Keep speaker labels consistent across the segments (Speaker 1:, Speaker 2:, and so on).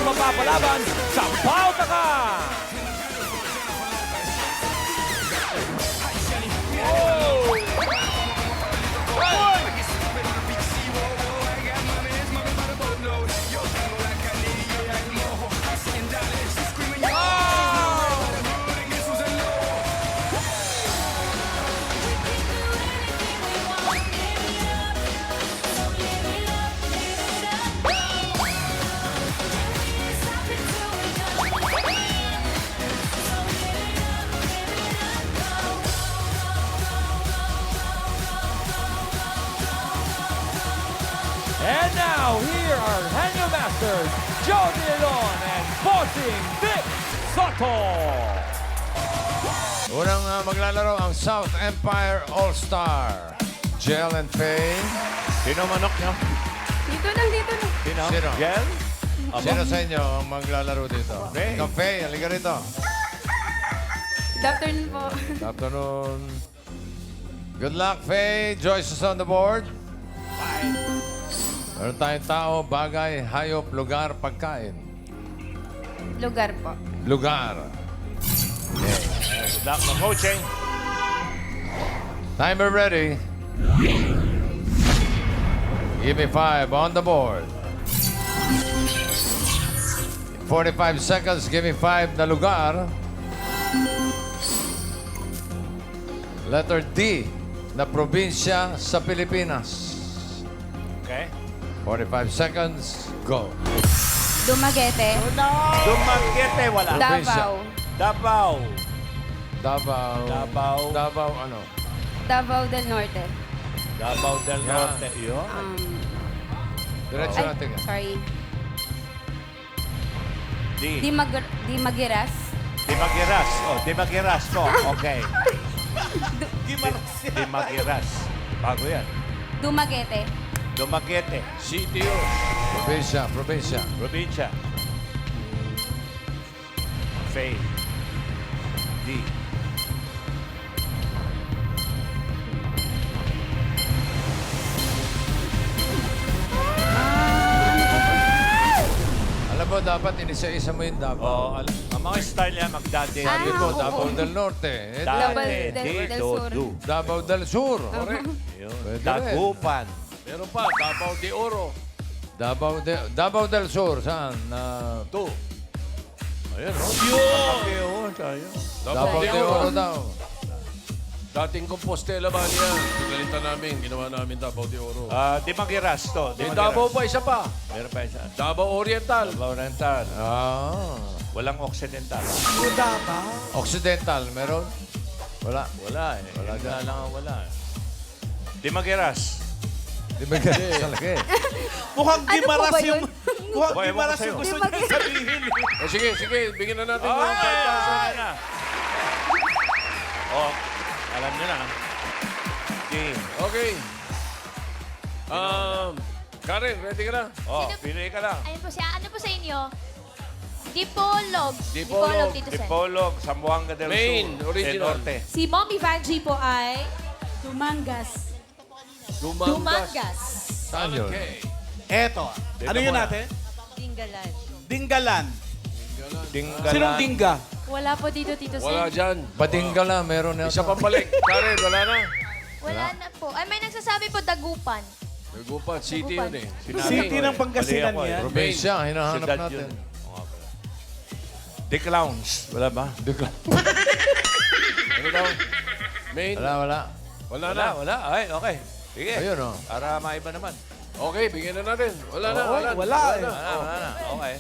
Speaker 1: mapapalaban sa Pautaka! Oh! Hoy! And now, here are Hanyo Masters, Joe De Leon and Bossing Vic Soto.
Speaker 2: Unang maglalaro ang South Empire All-Star. Jel and Faye.
Speaker 1: Sino manok nyo?
Speaker 3: Dito lang.
Speaker 1: Sino?
Speaker 2: Sino?
Speaker 1: Jel?
Speaker 2: Sino sa inyo ang maglalaro dito?
Speaker 1: Faye.
Speaker 2: Ikaw, Faye, halika rito.
Speaker 3: Good afternoon po.
Speaker 2: Good afternoon. Good luck, Faye. Joyce is on the board. Meron tayong tao, bagay, hayop, lugar, pagkain.
Speaker 3: Lugar po.
Speaker 2: Lugar.
Speaker 1: Good luck, coaching.
Speaker 2: Timer ready. Give me 5 on the board. 45 seconds, give me 5 na lugar. Letter D na probinsya sa Pilipinas.
Speaker 1: Okay.
Speaker 2: 45 seconds, go.
Speaker 3: Dumaguete.
Speaker 1: Dumaguete, wala.
Speaker 2: Probinsya.
Speaker 3: Davao.
Speaker 1: Davao.
Speaker 2: Davao.
Speaker 1: Davao.
Speaker 2: Davao ano?
Speaker 3: Davao del Norte.
Speaker 1: Davao del
Speaker 2: Yan.
Speaker 1: Norte. Yun.
Speaker 2: Diretso natin.
Speaker 3: Sorry.
Speaker 1: D.
Speaker 3: Dimagiras.
Speaker 1: Dimagiras. Oh, Dimagiras po. Okay. Dimagiras. Bago yan.
Speaker 3: Dumaguete.
Speaker 1: Dumaguete. City yun.
Speaker 2: Probinsya, probinsya.
Speaker 1: Probinsya. Faye. D.
Speaker 2: Alam mo, dapat inisa-isa mo yung Davao.
Speaker 1: Oh, ang mga style yan, magdade.
Speaker 3: Ah,
Speaker 2: Sabi mo,
Speaker 3: oo.
Speaker 2: Davao del Norte. Eh,
Speaker 3: Davao del Sur.
Speaker 2: Davao del Sur. Correct.
Speaker 1: Yun.
Speaker 2: Pwede rin.
Speaker 1: Dagupan.
Speaker 4: Meron pa, Davao de Oro.
Speaker 2: Davao del Sur, saan?
Speaker 4: Two. Ayan, oh.
Speaker 1: Yun. Tayo.
Speaker 2: Davao de Oro daw.
Speaker 4: Dating Compostela ba niya? Pinalitan namin, ginawa namin Davao de Oro.
Speaker 1: Dimagiras to.
Speaker 4: May Davao pa, isa pa.
Speaker 1: Meron pa isa.
Speaker 4: Davao Oriental.
Speaker 1: Davao Oriental.
Speaker 2: Ah.
Speaker 1: Walang Occidental.
Speaker 2: Occidental, meron? Wala.
Speaker 1: Wala eh.
Speaker 2: Wala
Speaker 1: Wala
Speaker 2: dyan.
Speaker 1: lang ang wala eh. Dimagiras.
Speaker 2: Di ba ganun talaga eh?
Speaker 5: Mukhang
Speaker 3: Ano po
Speaker 5: gimaras
Speaker 3: ba
Speaker 5: yung...
Speaker 3: yun?
Speaker 5: Mukhang
Speaker 1: Boy, ewan ko
Speaker 5: gimaras
Speaker 1: sa'yo.
Speaker 5: yung gusto niya sabihin.
Speaker 4: O sige, sige, bigyan na natin.
Speaker 1: Oh,
Speaker 4: ng 5,000.
Speaker 1: Oh, alam niyo na. D.
Speaker 4: Okay. Karen, ready ka na?
Speaker 1: Oh,
Speaker 6: Sino-
Speaker 1: pili ka lang.
Speaker 6: Ayun po siya. Ano po sa inyo? Dipolog.
Speaker 4: Dipolog.
Speaker 6: Tito Sen.
Speaker 1: Dipolog, Zamboanga del
Speaker 4: Main,
Speaker 1: Sur.
Speaker 4: original.
Speaker 1: Del Norte.
Speaker 7: Si Mommy Vanjie po ay
Speaker 3: Dumangas.
Speaker 7: Dumangas.
Speaker 2: Saan yun?
Speaker 4: Okay.
Speaker 5: Eto.
Speaker 1: Dito
Speaker 5: Ano yun
Speaker 1: muna.
Speaker 5: natin?
Speaker 7: Dinggalan.
Speaker 5: Dinggalan.
Speaker 1: Dinggalan.
Speaker 5: Sinong dingga?
Speaker 6: Wala po dito, Tito Sen.
Speaker 4: Wala dyan.
Speaker 2: Badingala, meron na.
Speaker 4: Isa pang balik. Karen, wala na.
Speaker 6: Wala na po. Ay, may nagsasabi po, Dagupan.
Speaker 4: Nagupan, city yun eh.
Speaker 5: City ng Pangasinan
Speaker 1: Mali ako eh.
Speaker 5: yan.
Speaker 2: Probinsya, hinahanap
Speaker 1: Siyudad
Speaker 2: natin.
Speaker 1: yun. Oo nga pala. The Clowns. Wala ba?
Speaker 4: Ano daw? Main.
Speaker 2: Wala, wala.
Speaker 4: Wala na.
Speaker 1: Wala. Ay, okay. Sige.
Speaker 2: Ayun, oh.
Speaker 1: Para maiba naman.
Speaker 4: Okay, bigyan na natin. Wala na,
Speaker 5: Oo,
Speaker 4: wala.
Speaker 5: wala eh.
Speaker 1: Wala na. Okay.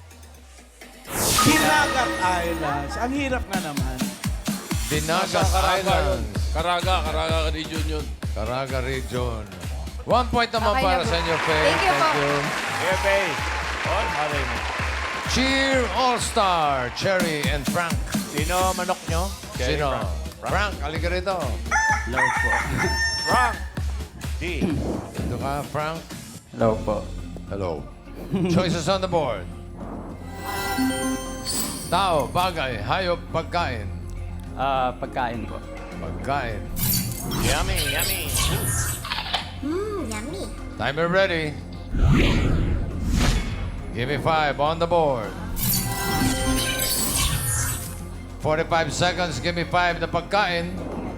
Speaker 5: Hinagat Islands. Ang hirap nga naman.
Speaker 2: Dinagat Islands.
Speaker 4: Caraga region yun.
Speaker 2: Caraga Region. 1 point naman
Speaker 3: Okay
Speaker 2: para
Speaker 3: na po.
Speaker 2: sa inyo, Faye.
Speaker 3: Thank you po.
Speaker 1: Okay. Oh, malay mo.
Speaker 2: Cheer All-Star, Cherry and Frank.
Speaker 1: Sino manok nyo?
Speaker 2: Sino? Frank, halika rito.
Speaker 1: Frank. D.
Speaker 2: Dito ka, Frank.
Speaker 8: Hello po.
Speaker 2: Hello. Choices on the board. Tao, bagay, hayop, pagkain.
Speaker 8: Pagkain po.
Speaker 2: Pagkain.
Speaker 1: Yummy, yummy.
Speaker 6: Yummy.
Speaker 2: Timer ready. Give me 5 on the board. 45 seconds. Give me 5 na pagkain.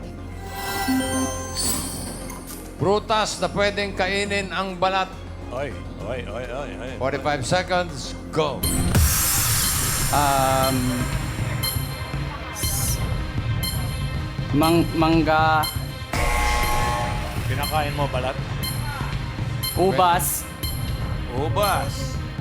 Speaker 2: Prutas na pwedeng kainin ang balat.
Speaker 9: Oy.
Speaker 2: 45 seconds. Go.
Speaker 8: Mangga,
Speaker 9: Pinakain mo balat?
Speaker 8: ubas,
Speaker 9: Ubas.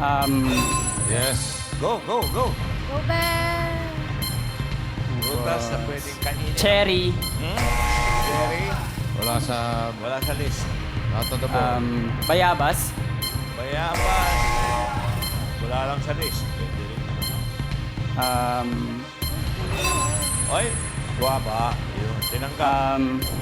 Speaker 2: Yes.
Speaker 9: Go.
Speaker 6: Go back!
Speaker 9: Ubas na pwedeng kainin.
Speaker 8: cherry,
Speaker 9: Cherry.
Speaker 2: Wala sa
Speaker 9: list.
Speaker 2: not on the board.
Speaker 8: bayabas,
Speaker 9: Bayabas. Wala lang sa list. Pwede rin. Oy, guwaba. Yun, tinanggap.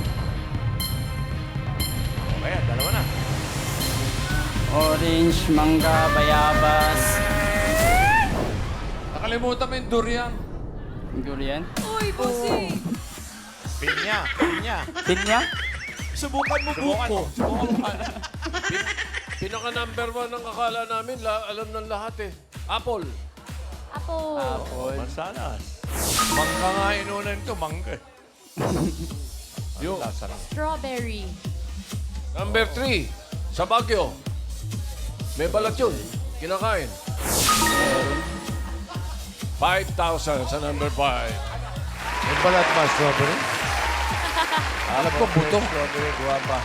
Speaker 9: Okay, dalawa na.
Speaker 8: orange, mangga, bayabas,
Speaker 2: Nakalimutan mo yung durian.
Speaker 8: durian,
Speaker 7: Uy, bossing!
Speaker 9: Pinya.
Speaker 8: pinya,
Speaker 5: Subukan mo
Speaker 9: Subukan
Speaker 5: buko.
Speaker 9: mo. Subukan mo.
Speaker 4: Pinaka number 1 ang akala namin, alam ng lahat eh. Apple.
Speaker 6: Apo.
Speaker 9: Mansanas. Mangga nga inunan ito, mangga. Yung
Speaker 6: Strawberry.
Speaker 4: Number 3, sa Baguio. May balat yun. Kinakain. 5,000 sa number 5.
Speaker 2: Yung balat ba, strawberry?
Speaker 9: alam ko, buto. Strawberry, guwaba.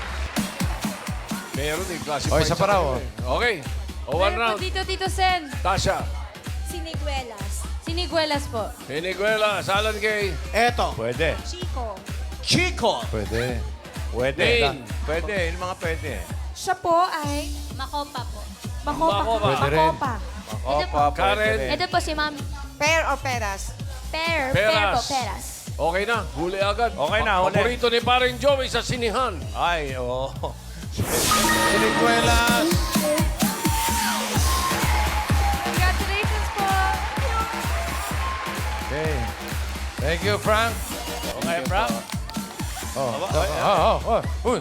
Speaker 4: Meron eh, classified.
Speaker 2: O, isa pa raw,
Speaker 4: kanila eh. Okay. O, one
Speaker 3: Meron
Speaker 4: round.
Speaker 3: po dito, Tito Sen.
Speaker 4: Tasha.
Speaker 7: Siniguelas.
Speaker 3: Siniguelas po.
Speaker 4: Piniguela. Alan Kay.
Speaker 5: Eto.
Speaker 9: Pwede.
Speaker 7: Chico.
Speaker 5: Chico.
Speaker 2: Pwede.
Speaker 9: Pwede.
Speaker 4: Dane.
Speaker 9: Pwede. Yung mga pwede.
Speaker 7: Siya po ay
Speaker 6: Makopa po.
Speaker 7: Makopa.
Speaker 2: Pwede rin.
Speaker 7: Makopa.
Speaker 9: Opa,
Speaker 4: Karen.
Speaker 9: pwede rin.
Speaker 6: Ito po si Ma'am.
Speaker 7: Pear or peras?
Speaker 6: Pear.
Speaker 4: Peras.
Speaker 6: Pear po, peras.
Speaker 4: Okay na. Huli agad.
Speaker 9: Okay na, huli.
Speaker 4: Paborito ni paring Joey sa sinihan.
Speaker 9: Ay, oo.
Speaker 2: Siniguelas.
Speaker 3: Congratulations po.
Speaker 2: Okay. Thank you, Frank.
Speaker 9: Okay, Frank.
Speaker 2: Uy,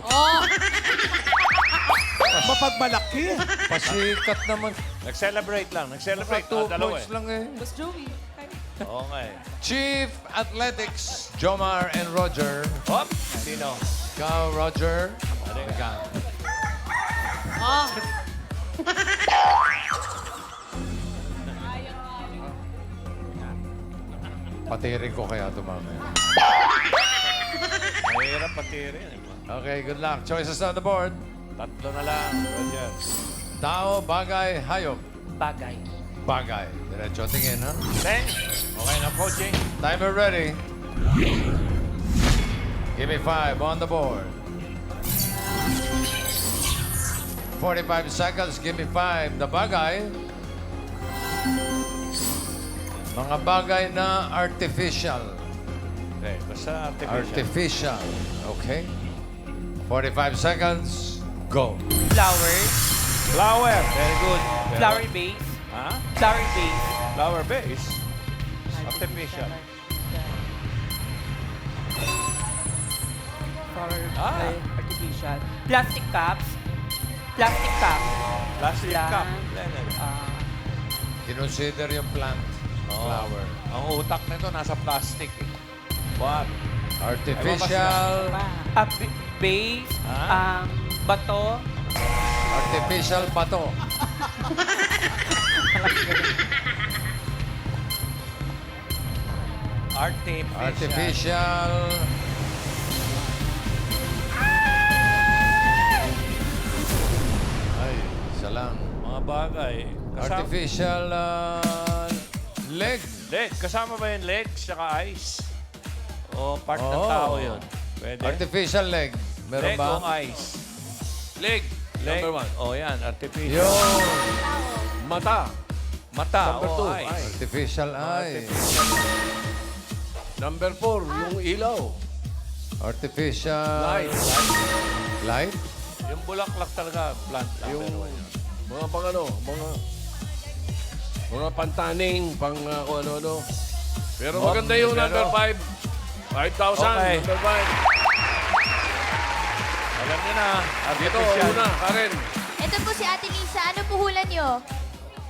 Speaker 5: Mapagmalaki.
Speaker 2: pasikat naman.
Speaker 9: Nag-celebrate lang. Nag-celebrate.
Speaker 2: Naka 2
Speaker 9: Dalawa
Speaker 2: points
Speaker 9: eh.
Speaker 2: lang eh.
Speaker 7: Boss Joey.
Speaker 9: Okay.
Speaker 2: Chief Athletics, Jomar and Roger.
Speaker 9: Hop. Sino?
Speaker 2: Ikaw, Roger. Teka. Patirin ko kaya ito mamaya.
Speaker 9: Mahirap pati rin.
Speaker 2: Okay, good luck. Choices on the board.
Speaker 9: Tatlo na lang. Roger.
Speaker 2: Tao, bagay, hayop.
Speaker 8: bagay,
Speaker 2: Bagay. Diretso tingin, ha?
Speaker 9: Ten. Okay na, coaching.
Speaker 2: Timer ready. Give me 5 on the board. 45 seconds. Give me 5. The bagay. Mga bagay na artificial.
Speaker 9: Okay, basta artificial.
Speaker 2: Artificial. Okay. 45 seconds. Go.
Speaker 8: flowers,
Speaker 9: Flower. Very good.
Speaker 8: flower base,
Speaker 9: Ha?
Speaker 8: flower base,
Speaker 9: Flower base. Artificial.
Speaker 8: flower,
Speaker 9: Ah.
Speaker 8: artificial, plastic cups, plastic cup,
Speaker 9: Plastic
Speaker 8: Plant.
Speaker 9: cup.
Speaker 2: Kinonsider yung plant. Flower.
Speaker 9: Ang utak nito nasa plastic eh. What?
Speaker 2: Artificial.
Speaker 8: base,
Speaker 9: Ah.
Speaker 8: bato,
Speaker 2: Artificial bato. Artificial. Ay, isa lang.
Speaker 9: Mga bagay.
Speaker 2: Artificial leg.
Speaker 9: Leg. Kasama ba yung legs tsaka eyes? O part ng
Speaker 2: Oh.
Speaker 9: tao yun? Pwede?
Speaker 2: Artificial leg. Meron
Speaker 9: leg
Speaker 2: ba?
Speaker 9: o eyes?
Speaker 4: Leg.
Speaker 9: Leg.
Speaker 4: Number 1.
Speaker 9: Oh, yan. Artificial.
Speaker 2: Yun.
Speaker 4: Mata.
Speaker 9: Mata
Speaker 4: Number
Speaker 9: o
Speaker 4: two,
Speaker 9: eyes.
Speaker 2: Artificial eye.
Speaker 4: Number 4, yung ilaw.
Speaker 2: Artificial
Speaker 4: Light.
Speaker 2: light.
Speaker 9: Yung bulaklak talaga, plant lang.
Speaker 4: Yung
Speaker 9: Pero yan.
Speaker 4: mga pang ano, mga pantaning, pang kung ano-ano. Pero maganda yung
Speaker 9: pero-
Speaker 4: number 5. 5,000.
Speaker 9: Okay.
Speaker 4: Number 5.
Speaker 9: Alam niyo na,
Speaker 4: Dito,
Speaker 9: artificial.
Speaker 4: una, Karen.
Speaker 6: Ito po si Ate Lisa. Ano po hula nyo?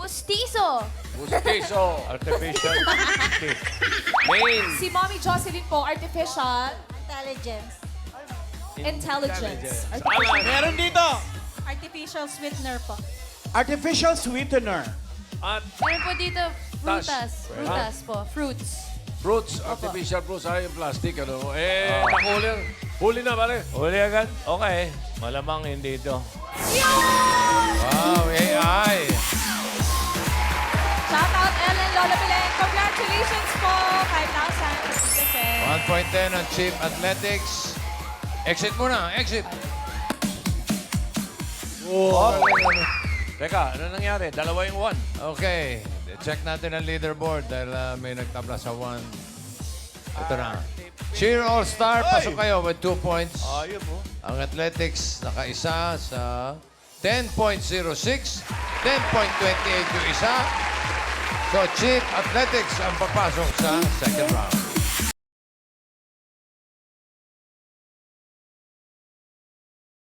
Speaker 6: Pustiso.
Speaker 4: Pustiso.
Speaker 9: Artificial teeth.
Speaker 4: Main.
Speaker 7: Si Mommy Jocelyn po, artificial
Speaker 6: Intelligence.
Speaker 7: intelligence.
Speaker 5: Meron dito.
Speaker 7: Artificial sweetener po.
Speaker 5: Artificial sweetener.
Speaker 9: At
Speaker 3: Meron po dito, frutas. Frutas po. Fruits.
Speaker 4: Fruits. Artificial fruits. Ay, yung plastic. Ano? Nakuli. Huli na, pare.
Speaker 9: huli agad. Okay. Malamang hindi ito.
Speaker 2: Wow, AI.
Speaker 7: Shout out Ellen Lola Belen. Congratulations po. 5,000.
Speaker 2: 1 point 10 on Chief Athletics. Exit muna, exit.
Speaker 9: Teka, ano nangyari? Dalawa yung one.
Speaker 2: Okay, check natin ang leaderboard dahil may nagtabla sa 1. Ito na. Cheer All-Star, pasok kayo with 2 points.
Speaker 9: Ayun mo.
Speaker 2: Ang Athletics nakaisa sa 10.06, 10.28 yung isa. So, Chief Athletics ang papasok sa second round.